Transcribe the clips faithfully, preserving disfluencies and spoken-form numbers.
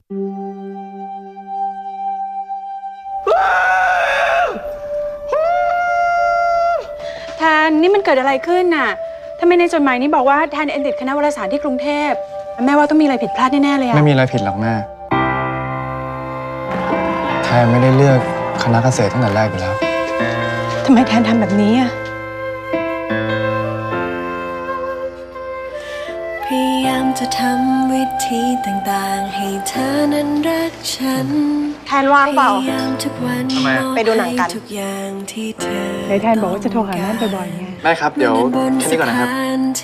แทนนี่มันเกิดอะไรขึ้นน่ะทำไมในจดหมายนี้บอกว่าแทนเอ็นติดคณะวารสารที่กรุงเทพแม่ว่าต้องมีอะไรผิดพลาดแน่ๆเลยอะไม่มีอะไรผิดหรอกแม่แทนไม่ได้เลือกคณะเกษตรตั้งแต่แรกอยู่แล้วทำไมแทนทำแบบนี้อะพยายามจะทำวิธีต่างๆให้เธอนั้นรักฉันแทนว่างเปล่าทำไมไปดูหนังกันในแทนบอกว่าจะโทรหาแม่บ่อยๆไงได้ครับเดี๋ยวแค่นี้ก่อนนะครับ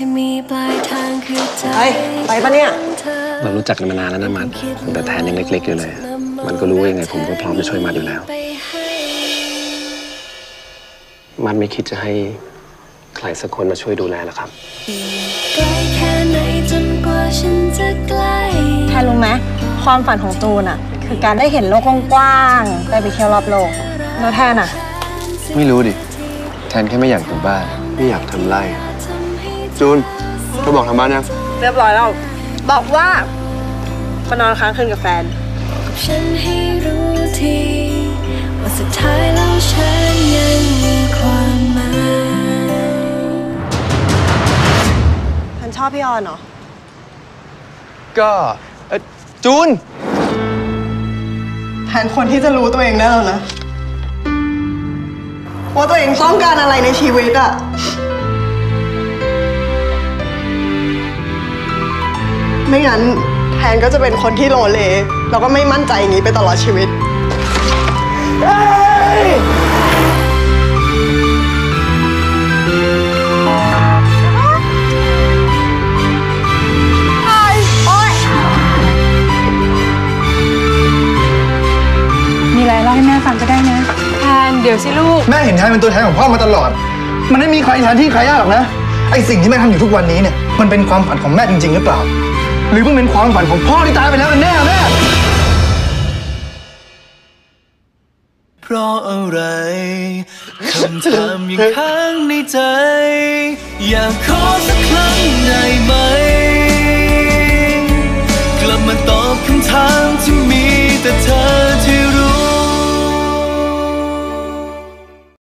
เฮ้ยไปปะเนี่ยเรารู้จักกันมานานแล้วนะมันแต่แทนยังเล็กๆอยู่เลยมันก็รู้ว่ายังไงผมก็พร้อมจะช่วยมันอยู่แล้วมันไม่คิดจะให้ใครสักคนมาช่วยดูแลหรอครับแทนรู้ไหมความฝันของจูนอะคือการได้เห็นโลกกว้างๆได้ไปเที่ยวรอบโลกแล้วแทนอะไม่รู้ดิแทนแค่ไม่อยากอยู่บ้านไม่อยากทำไร่จูนเธอบอกทางบ้านยังเรียบร้อยแล้วบอกว่ามานอนค้างคืนกับแฟนฉันให้รู้ทีว่าสุดท้ายแล้วฉันยังมีความหมายฉันชอบพี่ออนเหรอก็เออจูนแทนคนที่จะรู้ตัวเองได้แล้วนะว่าตัวเองต้องการอะไรในชีวิตอะไม่งั้นแทนก็จะเป็นคนที่โลเลแล้วก็ไม่มั่นใจอย่างนี้ไปตลอดชีวิตมีอะไรเล่าให้แม่ฟังก็ได้นะแทนเดี๋ยวสิลูกแม่เห็นแทนเป็นตัวแทนของพ่อมาตลอดมันไม่มีใครแทนที่ใครยากหรอกนะไอสิ่งที่แม่ทำอยู่ทุกวันนี้เนี่ยมันเป็นความฝันของแม่จริงๆหรือเปล่าหรือมันเป็นความฝันของพ่อที่ตายไปแล้วกันแน่แม่เพราะอะไรคำถามยังค้างในใจอยากขอสักครั้งได้ไหม